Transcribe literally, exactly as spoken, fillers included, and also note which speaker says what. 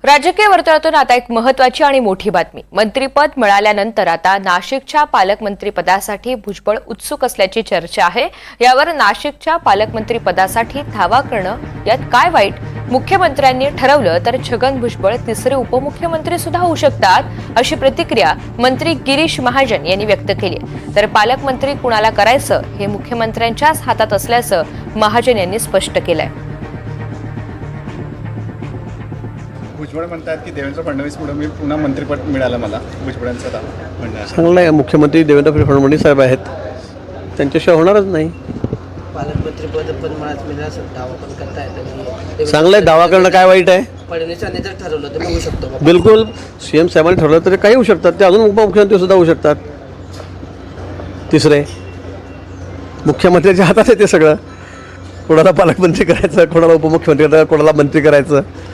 Speaker 1: राजकीय वर्तुळातून आता एक महत्त्वाची आणि मोठी बातमी. मंत्रिपद मिळाल्यानंतर आता नाशिकच्या पालकमंत्रीपदासाठी भुजबळ उत्सुक असल्याची चर्चा आहे. यावर नाशिकच्या पालकमंत्रीपदासाठी धावा करणं यात काय वाईट? मुख्यमंत्र्यांनी ठरवलं तर छगन भुजबळ तिसरे उपमुख्यमंत्री सुद्धा होऊ शकतात, अशी प्रतिक्रिया मंत्री गिरीश महाजन यांनी व्यक्त केली. तर पालकमंत्री कुणाला करायचं हे मुख्यमंत्र्यांच्याच हातात असल्याचं महाजन यांनी स्पष्ट केलंय.
Speaker 2: भुजबळ म्हणतात की देवेंद्र फडणवीसमुळे मी पुन्हा मंत्रिपद मिळालं मला. भुजबळांचं म्हणणं आहे.
Speaker 3: चांगलं आहे. मुख्यमंत्री देवेंद्र फडणवीस साहेब आहेत, त्यांच्याशिवाय होणारच नाही.
Speaker 4: पालकमंत्रीपद पण मलाच मिळालं असं दावा पण करता येतं.
Speaker 3: चांगलं आहे. दावा करणं काय वाईट आहे?
Speaker 4: फडणवीसांनी जर ठरवलं तर होऊ शकतो बाबा.
Speaker 3: बिलकुल. सी एम साहेबांनी ठरवलं तर काही होऊ शकतात, ते अजून उपमुख्यमंत्री सुद्धा होऊ शकतात. तिसरे मुख्यमंत्र्यांच्या हातात आहे ते सगळं. कोणाला पालकमंत्री करायचं, कोणाला उपमुख्यमंत्री करायचं, कोणाला मंत्री करायचं.